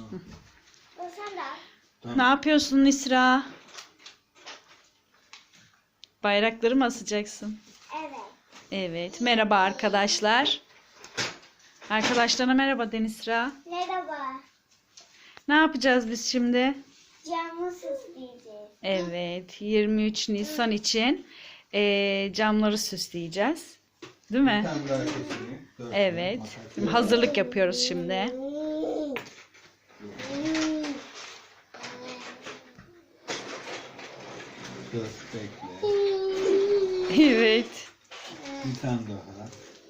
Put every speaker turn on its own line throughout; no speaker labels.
Sen de al.
Tamam.
Ne yapıyorsun Nisra? Bayrakları mı asacaksın?
Evet.
Evet. Merhaba arkadaşlar. Arkadaşlarına merhaba de Nisra.
Merhaba.
Ne yapacağız biz şimdi?
Camı süsleyeceğiz.
Evet. 23 Nisan için camları süsleyeceğiz. Değil
Bir
mi?
tane daha keseyim.
Evet. Hazırlık yapıyoruz şimdi.
Dur bekle.
Evet.
Bir tane daha.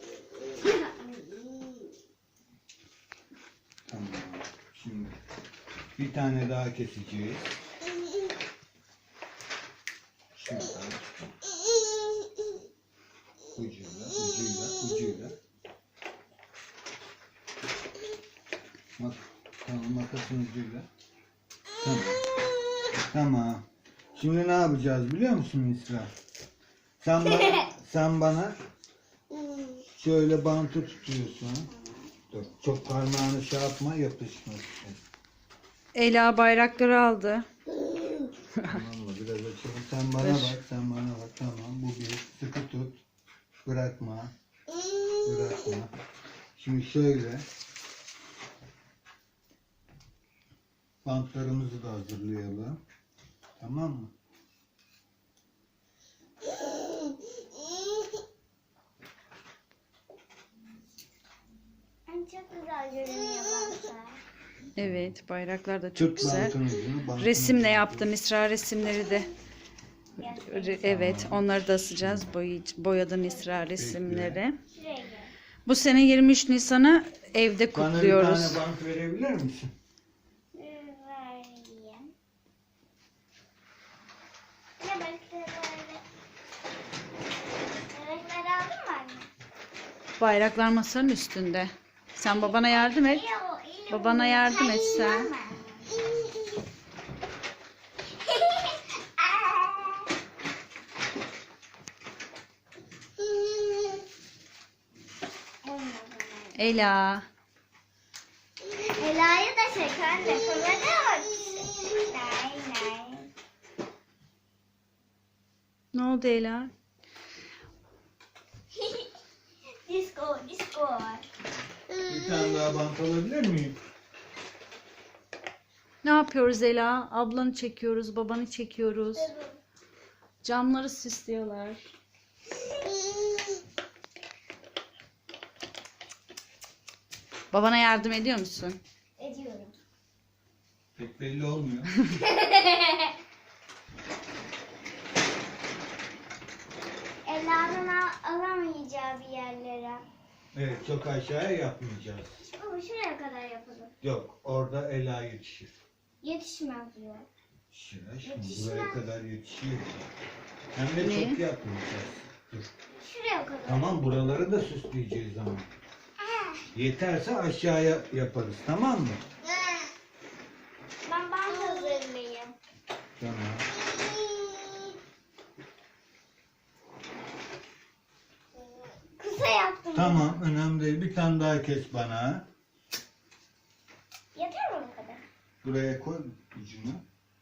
Tamam. Şimdi bir tane daha keseceğiz. Şuradan. Ucuyla. Tamam, makasın ucuyla. Tamam. Tamam. Şimdi ne yapacağız biliyor musun İsra? Sen bana şöyle bantı tutuyorsun. Dur, çok parmağını şey yapma, yapışmasın.
Ela bayrakları aldı.
Tamam mı? Biraz açalım. Sen bana bak. Tamam. Bu bir. Sıkı tut. Bırakma. Şimdi şöyle. Bantlarımızı da hazırlayalım. Tamam mı?
Çok güzel görünüyor bantlar.
Evet. Bayraklar da çok
Tut
güzel.
bantın ucunu, bantın
Resimle
ucunu.
yaptı Nisra resimleri de. Evet. Onları da asacağız. Boyadı Nisra resimleri.
Şuraya gel.
Bu sene 23 Nisan'ı evde
Bana bir
kutluyoruz.
tane bant verebilir misin?
Vereyim. Ne bekleleri? Bebekleri aldın mı anne?
Bayraklar masanın üstünde. Sen babana yardım et. Babana yardım et sen. Ela.
Ela'yı da çek anne. Kameraya bak. Nay.
Ne oldu Ela?
Disco.
Bir tane daha bant alabilir miyim?
Ne yapıyoruz Ela? Ablanı çekiyoruz, babanı çekiyoruz. Camları süslüyorlar. Babana yardım ediyor musun?
Ediyorum.
Pek belli olmuyor.
Ela'nın alamayacağı bir yerlere.
Evet, çok aşağıya yapmayacağız.
Baba şuraya kadar yapalım.
Yok, orada Ela yetişir.
Yetişmez diyor.
Şimdi
Yetişmez.
buraya kadar yetişiyor. Hem de
Ne?
çok yapmayacağız. Dur.
Şuraya kadar.
Tamam, buraları da süsleyeceğiz ama. Yeterse aşağıya yaparız, tamam mı?
Ben hazırlayayım.
Tamam.
Kısa yaptım.
Tamam, önemli değil. Bir tane daha kes bana.
Yeter mi bu kadar?
Buraya koy ucunu.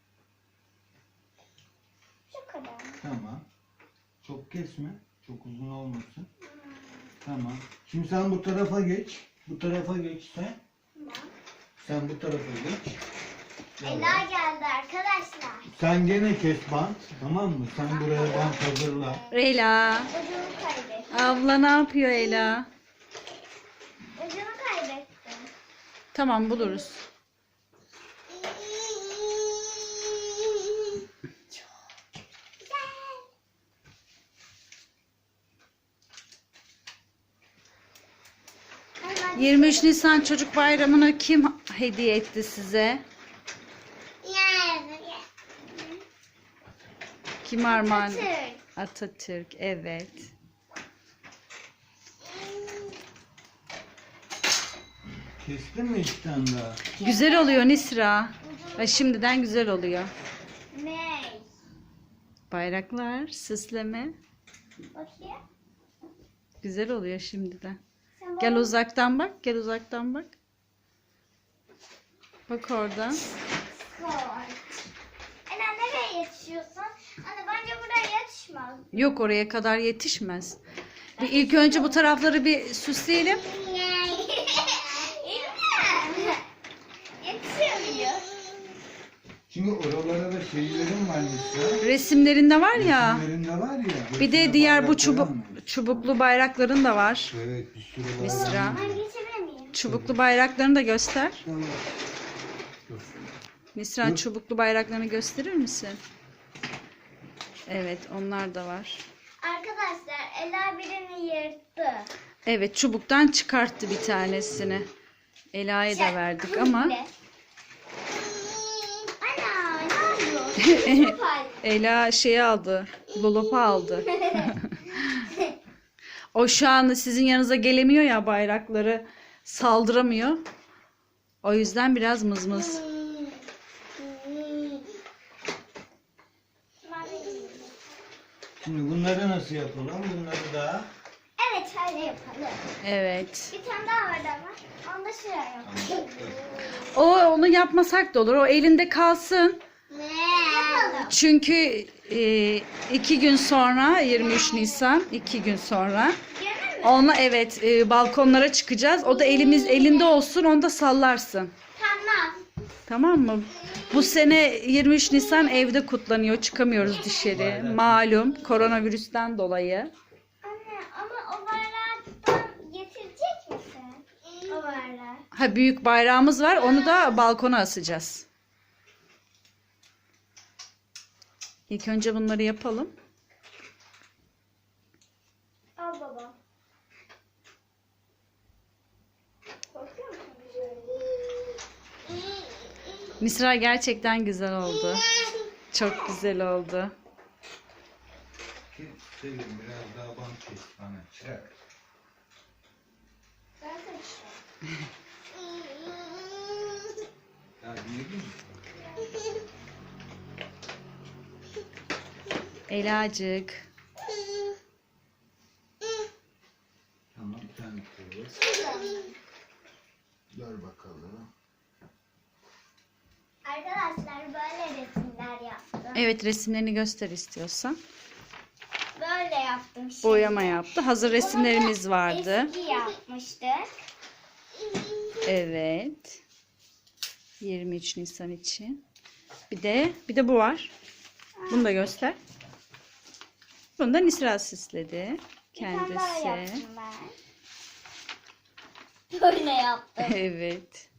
Şu kadar.
Tamam. Çok kesme. Çok uzun olmasın. Tamam. Şimdi sen bu tarafa geç. Bu tarafa geç sen.
Tamam.
Sen bu tarafa geç.
Ela geldi arkadaşlar.
Sen gene kes bant. Tamam mı? Sen buraya bant hazırla.
Ela.
Ucunu kaybettim.
Abla ne yapıyor Ela?
Ucunu kaybettim.
Tamam buluruz.
Hemen
23 Nisan Çocuk Bayramı'nı kim hediye etti size? Kim armağan?
Atatürk.
Atatürk, evet.
Kestin mi iki tane daha?
Güzel oluyor Nisra. Ha, şimdiden güzel oluyor.
Ne?
Bayraklar, süsleme.
Bakayım.
Güzel oluyor şimdiden.
Sen
Gel
bana-
uzaktan bak, gel uzaktan bak. Bak oradan.
Skort. Ela nereye yetişiyorsun? Anne bence buraya yetişmez.
Yok, oraya kadar yetişmez. Bir ilk önce bu tarafları bir süsleyelim.
Yetişemiyor.
Çünkü oralara da şeylerim var Nisra.
Resimlerinde var ya.
Resimlerinde var ya.
Bir de
hepsine
diğer bu
bayrak koyamam.
çubuklu bayrakların da var.
Evet, bir sürü var.
Nisra.
Ben geçebilir miyim?
Çubuklu bayraklarını da göster.
Tamam. Dur.
Nisra, çubuklu bayraklarını gösterir misin? Evet, onlar da var.
Arkadaşlar Ela birini yırttı.
Evet, çubuktan çıkarttı bir tanesini. Ela'ya da verdik ama
Ana ne yapıyorsun? Çok ay.
Ela şeyi aldı. Lolop'u aldı. O şu an sizin yanınıza gelemiyor ya, bayrakları saldıramıyor. O yüzden biraz mızmız.
Şimdi bunları nasıl yapalım? Bunları da
Evet öyle yapalım.
Evet.
Bir tane daha var ama onu da şuraya yapalım.
Onu yapmasak da olur. O elinde kalsın.
Yapalım.
Çünkü 2 gün sonra 23 Nisan 2 gün sonra
Görür mü?
onunla evet balkonlara çıkacağız. O da elinde olsun, onu da sallarsın.
Tamam.
Tamam mı? Bu sene 23 Nisan evde kutlanıyor. Çıkamıyoruz dışarı. Malum koronavirüsten dolayı.
Anne ama o bayraktan getirecek misin? O bayrağı.
Ha, büyük bayrağımız var. Onu da balkona asacağız. İlk önce bunları yapalım.
Al baba. Korkuyor musun?
Misra gerçekten güzel oldu. Çok güzel oldu.
Selim biraz daha bant kes bana. Çırak.
Zaten işte.
Ya dinledin mi?
Elacık.
Tamam, sen koy. Dur bakalım.
Arkadaşlar böyle resimler yaptım.
Evet, resimlerini göster istiyorsan.
Böyle yaptım şimdi.
Boyama yaptı. Hazır resimlerimiz
Bunu da
vardı.
eski yapmıştık.
Evet. 23 Nisan için. Bir de bu var. Bunu da göster. Bunu da Nisra süsledi.
Bir tane daha
Kendisi.
yaptım ben. Böyle yaptım.
Evet.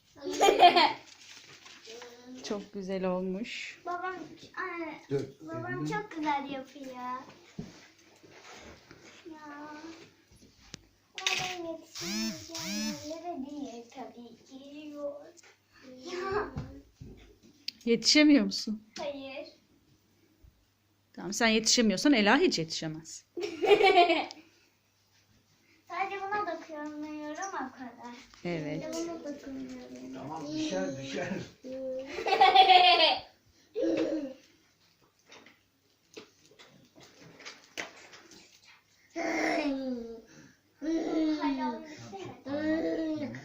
Çok güzel olmuş.
Babam,
Dur.
babam çok güzel yapıyor. Ya. Babam yetişemeyeceğim yerlere değil tabii ki. Ya.
Yetişemiyor musun?
Hayır.
Tamam, sen yetişemiyorsan Ela hiç yetişemez.
Sadece buna dokunmuyorum o kadar.
Evet.
Sadece buna dokunmuyorum.
Tamam, düşer.
Hadi onu isteme.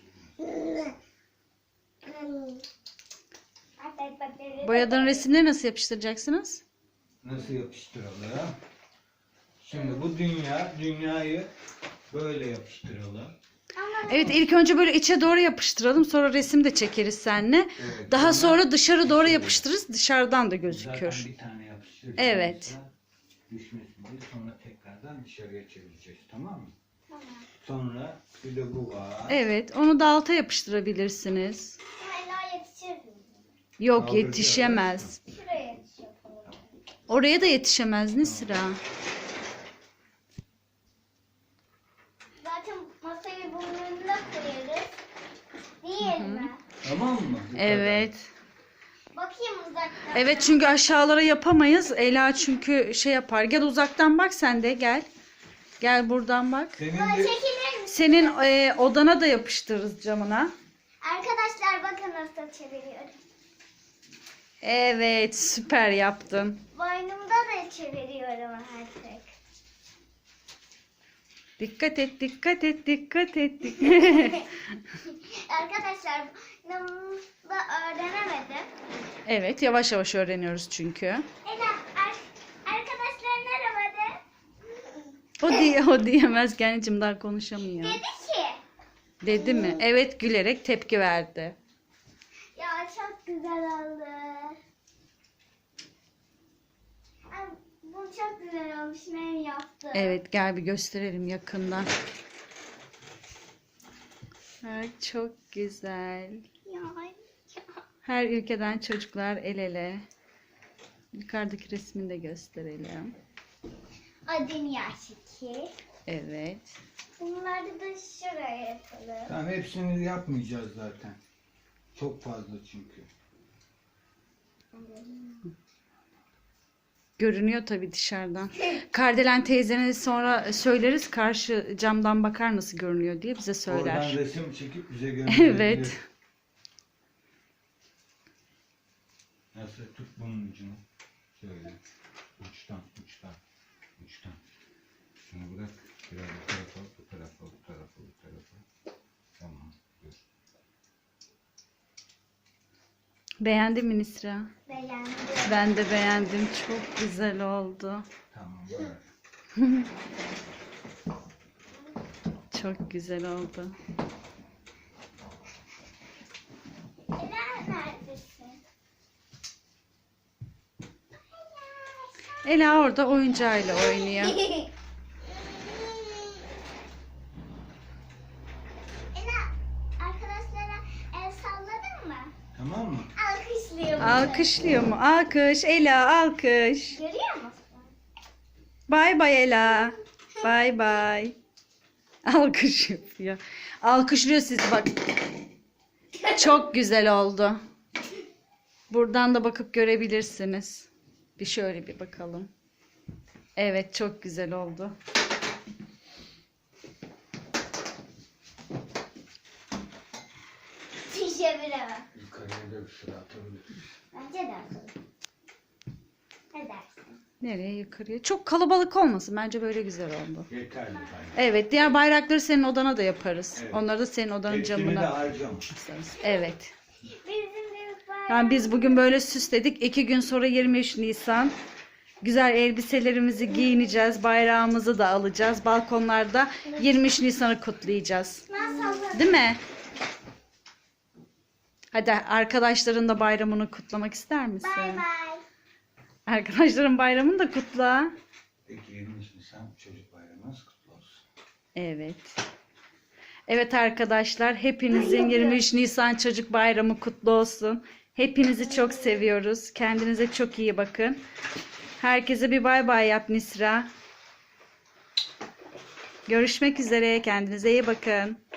Artık bakterileri
Boyadığın resimleri nasıl yapıştıracaksınız?
Nasıl yapıştıralım? Şimdi bu dünyayı böyle yapıştıralım.
Ama
Evet, ilk önce böyle içe doğru yapıştıralım. Sonra resim de çekeriz seninle.
Evet,
Daha
sonra
sonra dışarı doğru yapıştırırız. Dışarıdan da
Zaten
gözüküyor.
bir tane yapıştıracağız.
Evet.
Düşmesin diye sonra tekrardan dışarıya çevireceğiz, tamam mı?
tamam.
Sonra bir de bu var.
Evet, onu da alta yapıştırabilirsiniz.
Hala yetişir mi?
Yok,
Kaldıracağız.
yetişemez.
Şuraya yetiş yapalım.
Oraya da yetişemez Nisra.
Zaten masayı bunun önüne koyarız. Değil mi?
Tamam mı? Bu
Evet.
Bakayım uzaktan.
Evet, çünkü aşağılara yapamayız. Ela çünkü şey yapar. Gel uzaktan bak, sen de gel. Gel buradan bak.
Senin
Böyle
de
çekilir misin?
Senin odana da yapıştırırız camına.
Arkadaşlar bakın nasıl çeviriyorum.
Evet, süper yaptın.
Boynumda da çeviriyorum artık.
Dikkat et, dikkat et, dikkat et.
Arkadaşlar ben bunu da öğrenemedim.
Evet, yavaş yavaş öğreniyoruz çünkü.
Ela arkadaşlar merhaba de.
O diyemez ki anneciğim, daha konuşamıyor.
Dedi ki.
Dedi mi? Evet, gülerek tepki verdi.
Ya çok güzel oldu. Ay, bu çok güzel olmuş. Ben yaptım.
Evet, gel bir gösterelim yakından. Ay, çok güzel.
Ya.
Her ülkeden çocuklar el ele. Yukarıdaki resmini de gösterelim.
Adını şekil.
Evet.
Bunları da şuraya yapalım.
Tamam, hepsini yapmayacağız zaten. Çok fazla çünkü.
Görünüyor tabii dışarıdan. Kardelen teyzene sonra söyleriz, karşı camdan bakar nasıl görünüyor diye bize söyler.
Oradan resim çekip bize gönderebilir.
Evet.
Nasıl? Tut bunun ucunu. Şöyle. Uçtan. Şunu bırak. Biraz bu tarafa. Tamam. Dur.
Beğendin mi Nisra?
Beğendim.
Ben de beğendim. Çok güzel oldu.
Tamam. Bırak.
Çok güzel oldu.
Ela neredesin?
Ela orada oyuncağıyla oynuyor.
Ela arkadaşlara el salladın mı?
Tamam mı?
Alkışlıyor musun?
Alkışlıyor mu? Alkış. Ela alkış.
Görüyor musun?
Bay bay Ela. Bay bay. Alkış yapıyor. Alkışlıyor sizi bak. Çok güzel oldu. Buradan da bakıp görebilirsiniz. Bir şöyle bir bakalım. Evet, çok güzel oldu.
Teşekkür
Yukarıya da bir sıra atabiliriz.
Bence de atalım. Ne dersin?
Nereye, yukarıya? Çok kalabalık olmasın. Bence böyle güzel oldu.
Yeterli bence.
Evet, diğer bayrakları senin odana da yaparız.
Evet.
Onları da senin odanın
Hepsini de
camına
harcam.
asarız. Evet.
Bizim büyük bayram.
Yani biz bugün böyle süsledik. 2 gün sonra 23 Nisan. Güzel elbiselerimizi giyineceğiz. Bayrağımızı da alacağız. Balkonlarda 23 Nisan'ı kutlayacağız.
Nasıl?
Değil mi? Hadi arkadaşların da bayramını kutlamak ister misin?
Bay bay.
Arkadaşların bayramını da kutla.
Peki 23 Nisan çocuk bayramınız kutlu olsun.
Evet. Evet arkadaşlar, hepinizin 23 Nisan Çocuk Bayramı kutlu olsun. Hepinizi çok seviyoruz. Kendinize çok iyi bakın. Herkese bir bay bay yap Nisra. Görüşmek üzere. Kendinize iyi bakın.